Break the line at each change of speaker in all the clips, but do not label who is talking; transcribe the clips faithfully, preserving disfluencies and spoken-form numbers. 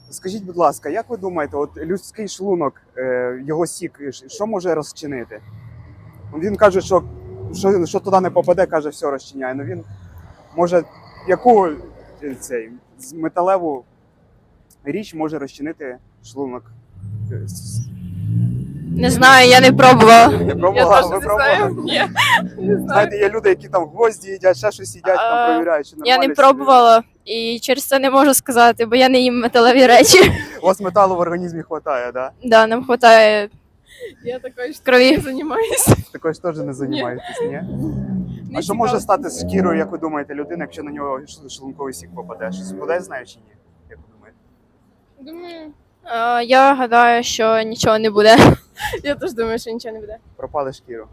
Скажіть, будь ласка, як ви думаєте, от людський шлунок, е, його сік, що може розчинити? Він каже, що, що, що туди не попаде, каже, все розчиняє. Ну він може яку е, цей, з- металеву річ може розчинити шлунок? Е, с-
Не знаю, я не пробувала.
Не
Я
пробувала,
теж
ви
не знаю.
пробували?
Ні, не знаю.
Знаєте, є люди, які там гвозді їдять, ще щось їдять, там
А,
перевіряють, чи
Я
нормально.
не
чи
пробувала і через це не можу сказати, бо я не їм металеві речі.
У вас металу в організмі вистачає, да?
Да, нам вистачає.
Я такою ж
Крові.
не займаюся.
Також теж не займаєтесь, ні?
Не
А що може
цікаво.
стати з шкірою, як ви думаєте, людина, якщо на нього ш- шлунковий сік попаде? Щось буде, знає чи ні? Як ви думаєте?
Думаю,
Е, Я гадаю, що нічого не буде.
я теж думаю, що нічого не буде.
Пропали шкіру.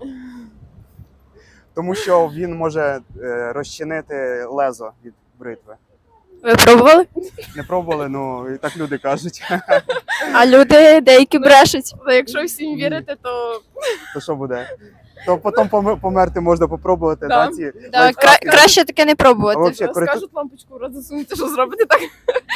Тому що він може е, розчинити лезо від бритви.
Ви пробували?
Не пробували, ну і так люди кажуть.
А люди деякі брешуть.
Але якщо всім вірити, то
То що буде? То потім помер- померти можна попробувати,
Да.
да, ці
Да,
лайфхаки.
кра- краще таке не
А
пробувати.
вообще, користу-
скажуть лампочку в рот засунути, що зробити так.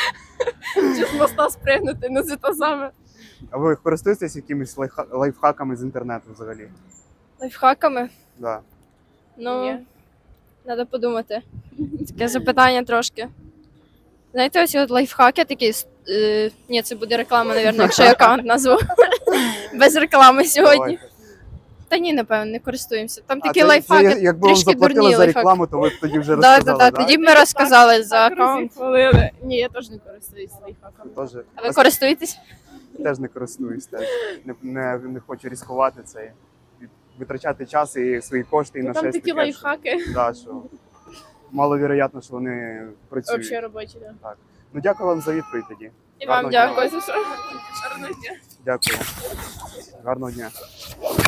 Чи з моста спригнути, ну це те саме.
А ви користуєтесь якимись лайфха- лайфхаками з інтернету взагалі?
Лайфхаками?
Да.
Ну,
Ні.
треба подумати. Таке запитання трошки. Знаєте, ось от лайфхаки такі. Е, ні, це буде реклама, мабуть, якщо я аккаунт назву. Без реклами сьогодні.
Давайте.
Та ні, напевно, не користуємося. Там
А
такі
це-
лайфхаки,
це, якби вам
трішки
заплатили
дурні
за
лайфхаки.
рекламу, то ви б тоді вже
Так, так,
розказали,
так.
да?
Тоді б ми розказали за
Так
аккаунт.
розіхвалили. Ні, я теж не користуюсь лайфхаками.
Тоже.
А ви користуєтесь?
Теж не користуюсь, теж. Не, не, не хочу ризикувати це. Витрачати час і свої кошти і на
Ну, там
щось
такі
таке,
лайфхаки.
Що, да, що маловіроятно, що вони працюють.
Взагалі робочі, да.
Ну дякую вам за відповідь тоді.
І вам
Гарного дня.
дякую.
Ось і що. Гарного дня.
Дякую. Гарного дня.